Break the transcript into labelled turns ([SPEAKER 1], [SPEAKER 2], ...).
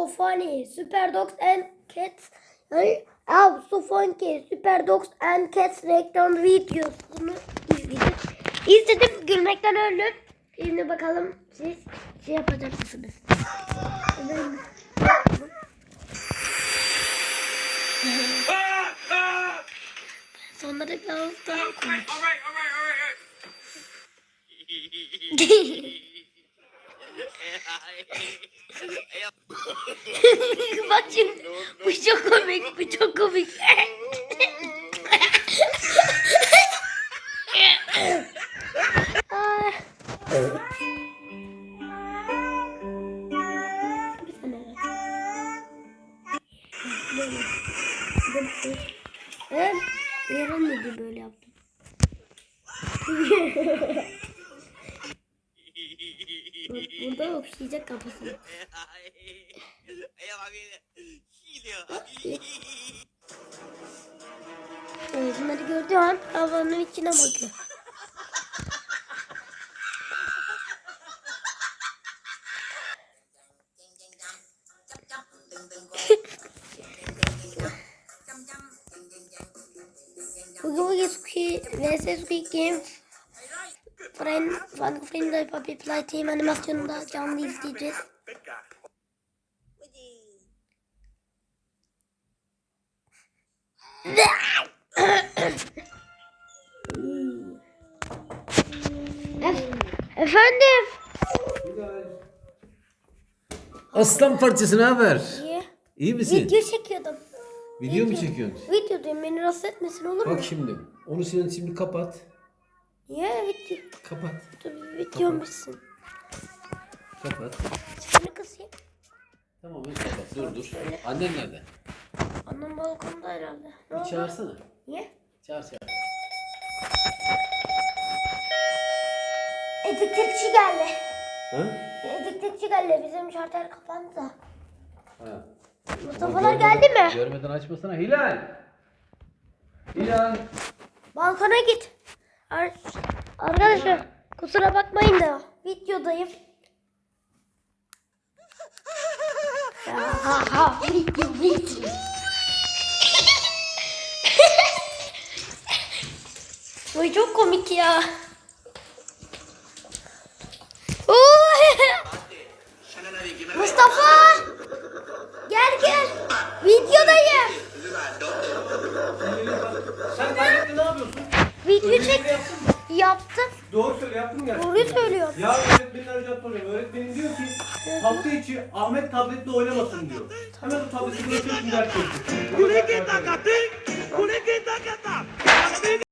[SPEAKER 1] so funny. Super Dogs and Cats. Oh, so funny. Super Dogs and Cats reklam videosunu izledim. İzledim, gülmekten öldüm. Şimdi bakalım siz şey yapacak mısınız? Sonları biraz daha komik. Bak şimdi, bu çok komik, bu çok komik. Yaramıyordu, böyle yaptım. Burada okşayacak kafasını. Evet, bunları gördüğü an havanın içine bakıyor. Bugün Squid vs Squid Game Friend Puppy Playtime animasyonunda canlı izleyeceğiz. Efendim?
[SPEAKER 2] Aslan parçası, ne haber?
[SPEAKER 1] İyi.
[SPEAKER 2] İyi misin?
[SPEAKER 1] Video çekiyordum.
[SPEAKER 2] Video mu çekiyorsun?
[SPEAKER 1] Videodayım, beni rahatsız etmesin, olur mu?
[SPEAKER 2] Bak şimdi. Onu sen şimdi kapat.
[SPEAKER 1] Niye video?
[SPEAKER 2] Kapat.
[SPEAKER 1] Video bitsin.
[SPEAKER 2] Kapat.
[SPEAKER 1] Sesini kısayım.
[SPEAKER 2] Tamam, ben kapat. Dur. Annen nerede?
[SPEAKER 1] Annem balkonda herhalde. Ne
[SPEAKER 2] Bir
[SPEAKER 1] oldu?
[SPEAKER 2] çağırsana.
[SPEAKER 1] Niye?
[SPEAKER 2] Çağır.
[SPEAKER 1] Ediklikçi geldi.
[SPEAKER 2] Ha?
[SPEAKER 1] Ediklikçi geldi. Bizim şartel kapandı da.
[SPEAKER 2] Ha.
[SPEAKER 1] Mustafa'lar geldi mi?
[SPEAKER 2] Görmeden açmasana. Hilal.
[SPEAKER 1] Balkona git. Arkadaşlar kusura bakmayın da videodayım. Video. Bu çok komik ya. Mustafa! Gel. Videodayım.
[SPEAKER 3] Sen kaynakta ne yapıyorsun?
[SPEAKER 1] Video
[SPEAKER 3] Ödevini
[SPEAKER 1] çek.
[SPEAKER 3] yaptın mı?
[SPEAKER 1] Yaptım.
[SPEAKER 3] Doğru söyle, yaptın mı gerçekten?
[SPEAKER 1] Doğruyu söylüyorum.
[SPEAKER 3] Ya öğretmenin arayacağını soruyorum. Öğretmenin diyor ki hafta içi Ahmet tabletle oynamasın diyor. Hemen o tableti bırakıyorsun, ders çalışıyorsun.